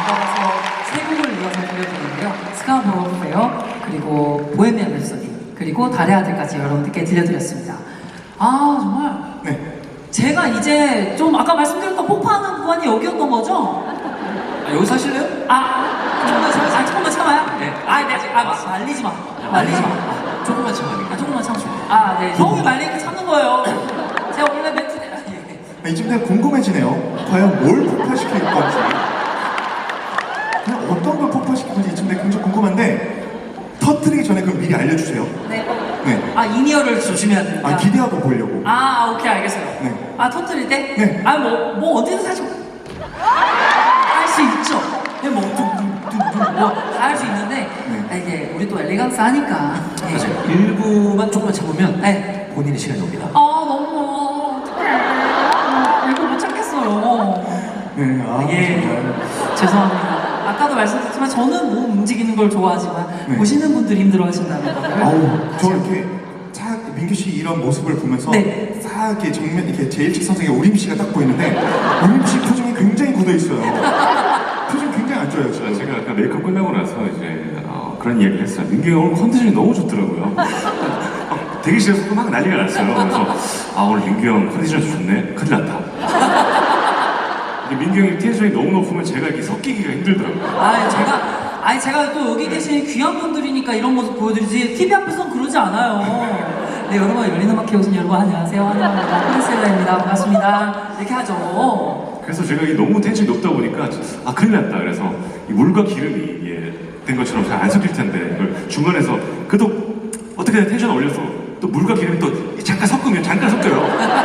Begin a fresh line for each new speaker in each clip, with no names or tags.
연달아서 세 곡을 이어서 들려드리는데요. 스카보로 페어, 그리고 보헤미안 랩소디, 그리고 달의 아들까지 여러분들께 들려드렸습니다. 아 정말
네.
제가 이제 좀 아까 말씀드렸던 폭파하는 구간이 여기였던 거죠?
여기서 하실래요?
조금만 참아요?
네.
네. 말리지 마. 말리지 마.
조금만 참아요.
조금만 참죠. 네. 형이 말리니까 참는 거예요. 제가 원래 멘트.
이쯤 되면 궁금해지네요. 과연 뭘 폭파시킬 건지. 그냥 어떤 걸 폭파시킬 건지 이쯤 되면 굉장히 궁금한데 터뜨리기 전에 그럼 미리 알려주세요.
네.
네.
인이어를 조심해야 됩니다.
기대하고 보려고.
오케이, 알겠어요.
네.
터뜨릴 때?
네.
뭐, 어디서 사실 할 수 있죠. 네, 뭐, 다 할 수 있는데, 이게, 우리 또 엘레강스 하니까. 네.
맞아요. 일부만 조금만 참으면
네.
본인의 시간이 옵니다.
너무, 어떡해. 이거 못 참겠어요.
네.
예.
정말.
죄송합니다. 아까도 말씀드렸지만, 저는 몸 움직이는 걸 좋아하지만,
네.
보시는 분들이 힘들어 하신다는 거.
저 이렇게 싹 민규 씨 이런 모습을 보면서
네.
싹 이렇게 정면 이렇게 제1칙 선생의 우림 씨가 딱 보이는데 우림 씨 표정이 굉장히 굳어 있어요. 표정 굉장히 안 좋아요 지금.
제가 아까 메이크업 끝나고 나서 이제 그런 이야기를 했어요. 민규 형 오늘 컨디션이 너무 좋더라고요. 대기실에서 막 난리가 났어요. 그래서 오늘 민규 형 컨디션이 좋네. 큰일 났다. 민규 형이 텐션이 너무 높으면 제가 이렇게 섞이기가 힘들더라고요.
제가 또 여기 계신 귀한 분들이니까 이런 모습 보여드리지 TV 앞에서는 그러지 않아요. 네, 여러분 열린음악회 오신 여러분 안녕하세요. 환영합니다. 프린셀라입니다. 반갑습니다. 이렇게 하죠.
그래서 제가 이게 너무 텐션이 높다 보니까 큰일 났다. 그래서 이 물과 기름이 된 것처럼 잘 안 섞일 텐데 이걸 중간에서 그래도 어떻게든 텐션 올려서 또 물과 기름이 또 잠깐 섞으면 잠깐 섞여요.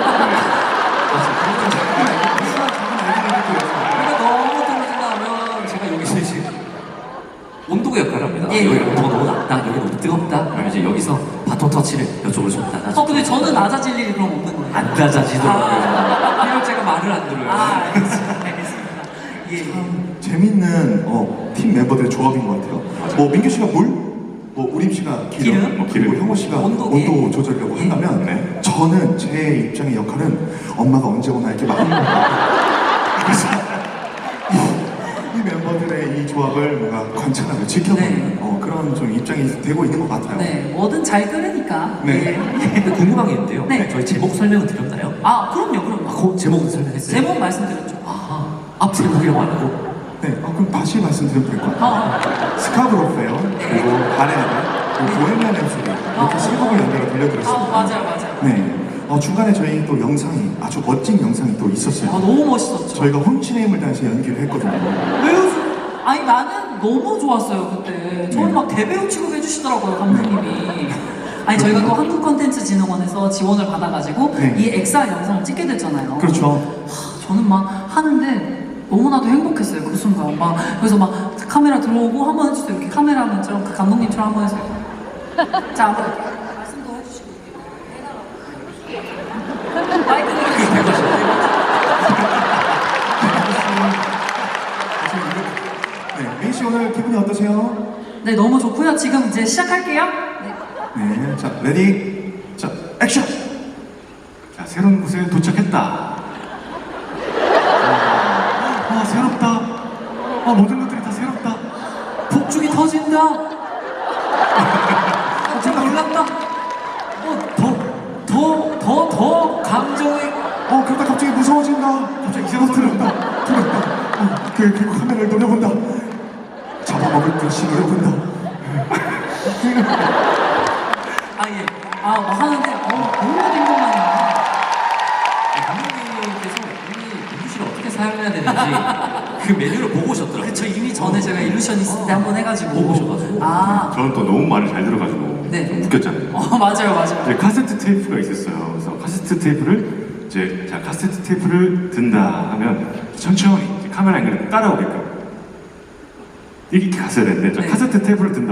그러니까 너무 떨어진다 하면 제가 여기서 이제 온도계 역할을 합니다.
예.
여기 온도가 너무 낮다, 여기 너무 뜨겁다. 그러면 이제 여기서 바톤 터치를 이쪽으로 좀 낮아져.
근데 저는 낮아질 일이 그럼 없는 거예요.
안 낮아지더라고요. 그냥 제가 말을 안 들어요.
알겠습니다. 예.
재밌는 팀 멤버들의 조합인 것 같아요. 뭐 민규 씨가 물, 뭐 우림 씨가 기름,
기름.
뭐 형호 씨가
온도
온도 조절이라고 한다면
네.
저는 제 입장의 역할은 엄마가 언제 오나 이렇게 막 그래서 이 멤버들의 이 조합을 뭔가 관찰하고 지켜보는 그런 좀 입장이 되고 있는 것 같아요.
네, 뭐든 잘 끓으니까.
네.
근데 궁금한 게 있는데요.
네.
저희 제목 설명은 드렸나요?
그럼요.
제목은 설명했어요?
제목 말씀드렸죠.
앞 제목이라고 안 하고.
네, 그럼 다시 말씀드리면 될 것 같아요. 스카브로 페어, 그리고 달의 아들, 그리고 보헤미안 랩소디 이렇게 세 곡을 연달아 들려드렸습니다.
맞아요.
네, 중간에 저희 또 영상이 아주 멋진 영상이 또 있었어요.
너무 멋있었죠.
저희가 훔친의 힘을 다해서 연기를 했거든요.
왜요? 나는 너무 좋았어요, 그때. 저를 막 대배우 취급해주시더라고요, 감독님이. 저희가 또 한국콘텐츠진흥원에서 지원을 받아가지고
네.
이 엑사 영상을 찍게 됐잖아요.
그렇죠.
저는 막 하는데 너무나도 행복했어요, 그 순간. 그래서 막 카메라 들어오고 한번 해주세요. 이렇게 카메라맨처럼 그 감독님처럼 한번 해주세요. 자, 한번 말씀도 해주시고. 마이크는
네, 민씨 오늘 기분이 어떠세요?
네, 너무 좋고요. 지금 이제 시작할게요. 네.
네, 자, 레디, 자, 액션!
자, 새로운 곳에 도착했다. 새롭다. 모든 것들이 다 새롭다.
폭죽이 터진다. 제가 놀랐다. 더 감정이.
그러다 갑자기 무서워진다.
갑자기 이상한 소리
들었다. 그리고 카메라를 노려본다. 잡아먹을 듯이 노려본다.
하는데 너무 행복하네요.
감독님께서 이미 민규 씨를 어떻게 사용해야 되는지 그 메뉴를 보고 오셨더라고요.
그쵸, 이미 전에 제가 일루션이스트 때 한번 해가지고
보고 오셔가지고.
저는 또 너무 말을 잘 들어가지고
네.
좀 웃겼잖아요.
맞아요.
이제 카세트 테이프가 있었어요. 그래서 카세트 테이프를 이제 카세트 테이프를 든다 하면 천천히 이제 카메라 앵글을 따라오게끔 이렇게 갔어야 되는데
네.
카세트 테이프를 든다.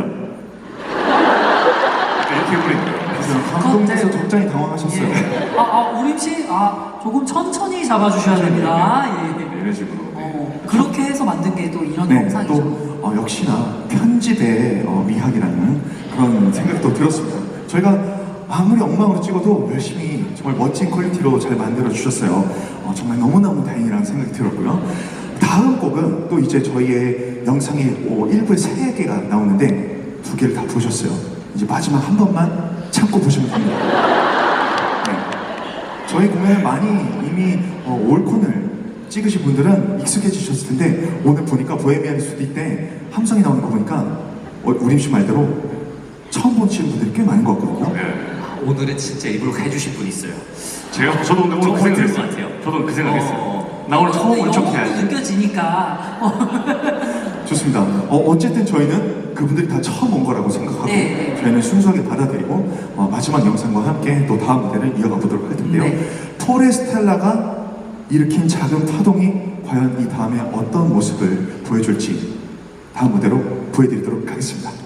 이렇게 해버린 거예요.
감독님께서 적잖이 당황하셨어요.
우림씨, 조금 천천히 잡아주셔야 됩니다. 예.
이런 식으로.
그렇게 해서 만든 게 또 이런
네,
영상이죠.
또 역시나 편집의 미학이라는 그런 생각도 들었습니다. 저희가 아무리 엉망으로 찍어도 열심히 정말 멋진 퀄리티로 잘 만들어 주셨어요. 정말 너무너무 다행이라는 생각이 들었고요. 다음 곡은 또 이제 저희의 영상이 1부에 3개가 나오는데 2개를 다 보셨어요. 이제 마지막 한 번만 참고 보시면 됩니다. 네. 저희 공연을 많이 이미 올콘을 찍으신 분들은 익숙해지셨을 텐데 오늘 보니까 보헤미안 랩소디 때 함성이 나오는 거 보니까 우림 씨 말대로 처음 보시는 분들이 꽤 많은 것 같거든요.
네.
오늘은 진짜 일부러 해주신 분이 있어요.
저도 오늘 그
정말
생각을
들은 것
했어요.
같아요.
저도 그 생각을 했어요. 나 오늘 처음 온 척 해야지.
느껴지니까.
좋습니다. 어쨌든 저희는 그분들이 다 처음 온 거라고 생각하고
네.
저희는 순수하게 받아들이고 마지막 영상과 함께 또 다음 무대를 이어가 보도록 할 텐데요.
네.
포레스텔라가 일으킨 작은 파동이 과연 이 다음에 어떤 모습을 보여줄지 다음 무대로 보여드리도록 하겠습니다.